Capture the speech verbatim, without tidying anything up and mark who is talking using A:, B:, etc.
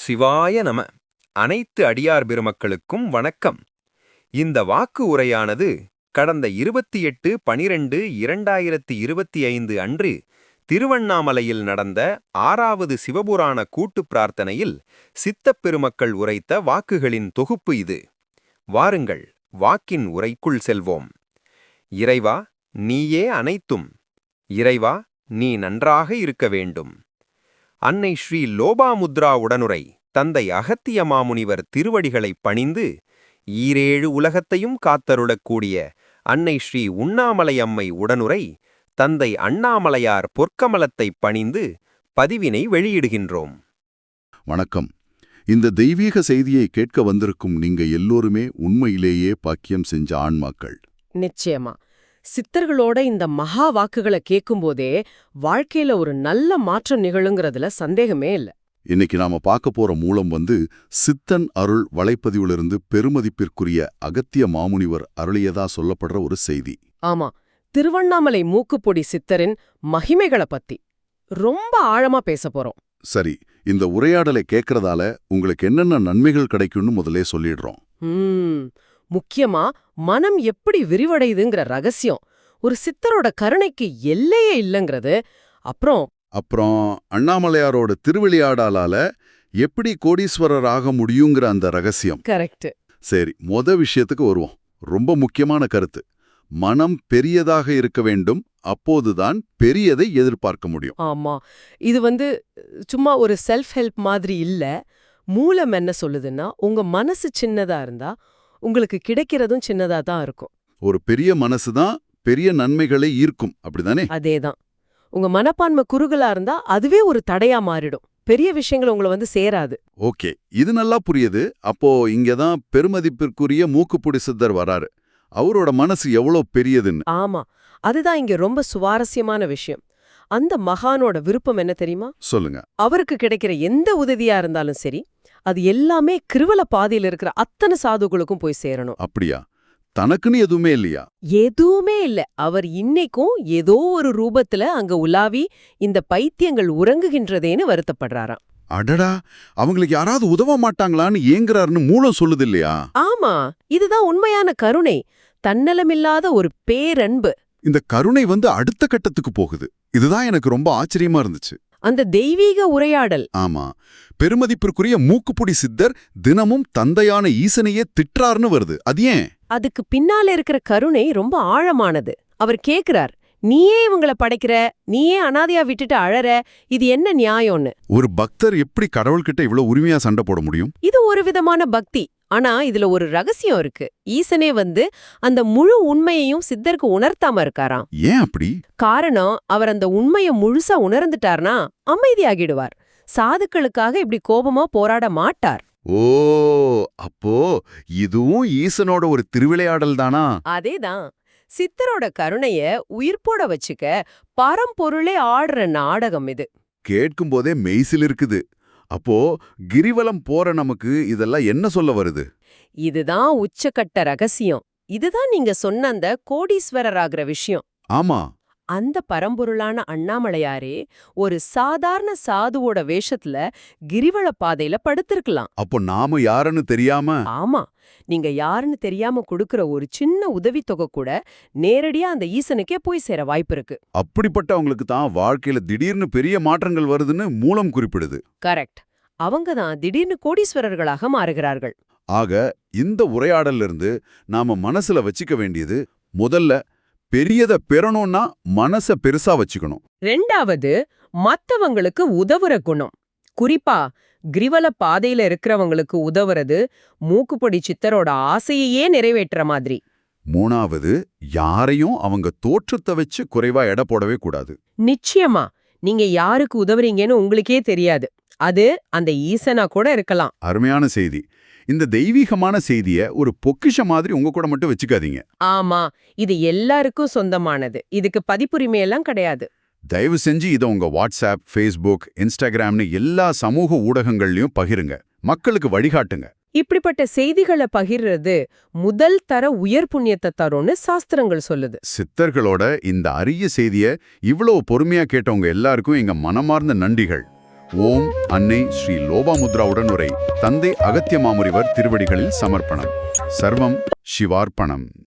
A: சிவாய நம. அனைத்து அடியார் பெருமக்களுக்கும் வணக்கம். இந்த வாக்கு உரையானது கடந்த இருபத்தி எட்டு பனிரெண்டு இரண்டாயிரத்தி இருபத்தி ஐந்து அன்று திருவண்ணாமலையில் நடந்த ஆறாவது சிவபுராண கூட்டுப் பிரார்த்தனையில் சித்தப் பெருமக்கள் உரைத்த வாக்குகளின் தொகுப்பு இது. வாருங்கள், வாக்கின் உரைக்குள் செல்வோம். இறைவா, நீயே அனைத்தும். இறைவா, நீ நன்றாக இருக்க வேண்டும். அன்னை ஸ்ரீ லோபாமுத்ரா உடனுரை தந்தை அகத்திய மாமுனிவர் திருவடிகளைப் பணிந்து ஈரேழு உலகத்தையும் காத்தருளக்கூடிய அன்னை ஸ்ரீ உண்ணாமலை அம்மை உடனுரை தந்தை அண்ணாமலையார் பொற்கமலத்தைப் பணிந்து பதிவினை வெளியிடுகின்றோம்.
B: வணக்கம். இந்த தெய்வீக செய்தியை கேட்க வந்திருக்கும் நீங்க எல்லோருமே உண்மையிலேயே பாக்கியம் செஞ்ச ஆன்மாக்கள்.
C: நிச்சயமா. சித்தர்களோட இந்த மகா வாக்குகளை கேட்கும்போதே வாழ்க்கையில ஒரு நல்ல மாற்றம் நிகழுங்கிறதுல சந்தேகமே இல்ல.
B: இன்னைக்கு நாம பார்க்க போற மூலம் வந்து சித்தன் அருள் வலைப்பதிவிலிருந்து பெருமதிப்பிற்குரிய அகத்திய மாமுனிவர் அருளியதா சொல்லப்படுற ஒரு செய்தி.
C: ஆமா, திருவண்ணாமலை மூக்குப்பொடி சித்தரின் மகிமைகளை பத்தி ரொம்ப ஆழமா பேச போறோம்.
B: சரி, இந்த உரையாடலை கேட்கறதால உங்களுக்கு என்னென்ன நன்மைகள் கிடைக்கும்னு முதலே சொல்லிடுறோம்.
C: ம் முக்கியமா மனம் எப்படி விரிவடையுதுங்கிற ரகசியம், ஒரு சித்தரோட கருணைக்கு எல்லையே இல்லைங்கிறது, அப்புறம்
B: அப்புறம் அண்ணாமலையாரோட திருவிளையாடலால எப்படி கோடீஸ்வரர் ஆக முடியுங்கிற அந்த ரகசியம்.
C: கரெக்ட்.
B: சரி, மொத விஷயத்துக்கு வருவோம். ரொம்ப முக்கியமான கருத்து. மனம் பெரியதாக இருக்க வேண்டும், அப்போதுதான் பெரியதை எதிர்பார்க்க முடியும்.
C: ஆமா, இது வந்து சும்மா ஒரு செல்ஃப் ஹெல்ப் மாதிரி இல்ல. மூலம் என்ன சொல்லுதுன்னா, உங்க மனசு சின்னதா இருந்தா உங்களுக்கு கிடைக்கிறதும் சின்னதா தான் இருக்கும்.
B: ஒரு பெரிய மனசுதான் பெரிய நன்மைகளை ஈர்க்கும், அப்படிதானே?
C: அதேதான். உங்க மனப்பான்மை குறுகலா இருந்தா அதுவே ஒரு தடையா மாறிடும். பெரிய விஷயங்கள் உங்களை வந்து சேராது.
B: ஓகே, இது நல்லா புரியுது. அப்போ இங்கதான் பெருமதிப்பிற்குரிய மூக்குப்புடி சித்தர் வராரு. அவரோட மனசு எவ்வளோ பெரியதுன்னு.
C: ஆமா, அதுதான் இங்க ரொம்ப சுவாரஸ்யமான விஷயம். அந்த மகானோட விருப்பம் என்ன தெரியுமா?
B: சொல்லுங்க.
C: அவருக்கு கிடைக்கிற எந்த உதவியா இருந்தாலும் சரி, அது எல்லாமே கிருவல பாதையில இருக்கிற அத்தனை சாதுகளுக்கும் போய் சேரணும்.
B: அப்படியா? தனக்குன்னு எதுவுமே இல்லையா?
C: எதுவுமே இல்ல. அவர் இன்னைக்கும் ஏதோ ஒரு ரூபத்துல அங்க உலாவி இந்த பைத்தியங்கள் உறங்குகின்றதேன்னு வருத்தப்படுறாராம்.
B: அடடா, அவங்களுக்கு யாராவது உதவ மாட்டாங்களான்னு ஏங்குறாருன்னு மூலம் சொல்லுது இல்லையா?
C: ஆமா, இதுதான் உண்மையான கருணை, தன்னலமில்லாத ஒரு பேரன்பு.
B: இந்த கருணை வந்து அடுத்த கட்டத்துக்கு போகுது. இதுதான் எனக்கு ரொம்ப ஆச்சரியமா இருந்துச்சு.
C: அந்த தெய்வீக உரையாடல்.
B: ஆமா, பெருமதிப்பிற்குரிய மூக்குப்புடி சித்தர் தினமும் தந்தையான ஈசனையே திட்டுறாருன்னு வருது. அது ஏன்?
C: அதுக்கு பின்னால இருக்கிற கருணை ரொம்ப ஆழமானது. அவர் கேக்குறார், நீயே இவங்கள படைக்கிற, நீயே அனாதையா விட்டுட்டு அழற, இது என்ன நியாயம்னு.
B: ஒரு பக்தர் எப்படி கடவுள்கிட்ட இவ்வளவு உரிமையா சண்டை போட முடியும்?
C: இது ஒரு விதமான பக்தி. ஆனா இதுல ஒரு ரகசியம் இருக்கு. ஈசனே வந்து அந்த முழு உண்மையையும் சித்தருக்கு உணர்த்தாம இருக்காராம்.
B: ஏன் அப்படி?
C: காரணம், அவர் அந்த உண்மைய முழுசா உணர்ந்துட்டார்னா அமைதியாகிடுவார். சாதுக்களுக்காக இப்படி கோபமா போராட மாட்டார்.
B: ஓ, அப்போ இதுவும் ஈசனோட ஒரு திருவிளையாடல் தானா?
C: அதேதான். சித்தரோட கருணைய உயிர்ப்போட வச்சுக்க பரம்பொருளே ஆடுற நாடகம் இது.
B: கேட்கும் போதே மெய்சில் இருக்குது. அப்போ கிரிவலம் போற நமக்கு இதெல்லாம் என்ன சொல்ல வருது?
C: இதுதான் உச்சக்கட்ட ரகசியம். இதுதான் நீங்க சொன்ன அந்த கோடீஸ்வரர் ஆகிற விஷயம்.
B: ஆமா,
C: அந்த பரம்பொருளான அண்ணாமலையாரே ஒரு சாதாரண சாதுவோட வேஷத்துல கிரிவல பாதையில படுத்திருக்கலாம்.
B: அப்போ நாம யாருன்னு தெரியாம?
C: ஆமா, நீங்க யாருன்னு தெரியாம கொடுக்கற ஒரு சின்ன உதவித்தொகை கூட நேரடியா அந்த ஈசனுக்கே போய் சேர வாய்ப்பு இருக்கு.
B: அப்படிப்பட்டவங்களுக்கு தான் வாழ்க்கையில திடீர்னு பெரிய மாற்றங்கள் வருதுன்னு மூலம் குறிப்பிடுது.
C: கரெக்ட். அவங்க தான் திடீர்னு கோடீஸ்வரர்களாக மாறுகிறார்கள்.
B: ஆக இந்த உரையாடல்ல இருந்து நாம மனசுல வச்சுக்க வேண்டியது, முதல்ல பெரியத பெறணும்னா மனச பெருசா வச்சுக்கணும்.
C: ரெண்டாவது, மத்தவங்களுக்கு உதவுற குணம். குறிப்பா கிரிவல பாதையில இருக்கிறவங்களுக்கு உதவுறது மூக்குப்பொடி சித்தரோட ஆசையையே நிறைவேற்ற மாதிரி.
B: மூணாவது, யாரையும் அவங்க தோற்றத்தை வச்சு குறைவா எடை போடவே கூடாது.
C: நிச்சயமா, நீங்க யாருக்கு உதவுறீங்கன்னு உங்களுக்கே தெரியாது. அது அந்த ஈசனா கூட இருக்கலாம்.
B: அருமையான செய்தி. இந்த தெய்வீகமான செய்திய ஒரு பொக்கிஷ மாதிரி உங்க கூட மட்டும் வச்சுக்காதீங்க.
C: ஆமா, இது எல்லாருக்கும் சொந்தமானது. இதுக்கு பதிப்புரிமையெல்லாம் கிடையாது.
B: தயவு செஞ்சு இதை உங்க வாட்ஸ்அப், ஃபேஸ்புக், இன்ஸ்டாகிராம்னு எல்லா சமூக ஊடகங்கள்லயும் பகிருங்க. மக்களுக்கு வழிகாட்டுங்க.
C: இப்படிப்பட்ட செய்திகளை பகிர்றது முதல் தர உயர் புண்ணியத்தை தரும்னு சாஸ்திரங்கள் சொல்லுது.
B: சித்தர்களோட இந்த அரிய செய்திய இவ்வளவு பொறுமையா கேட்டவங்க எல்லாருக்கும் எங்க மனமார்ந்த நன்றிகள். ஓம் அன்னை ஸ்ரீ லோபாமுத்ரா உடனுரை தந்தை அகத்திய மாமுனிவர் திருவடிகளில் சமர்ப்பணம். சர்வம் சிவார்ப்பணம்.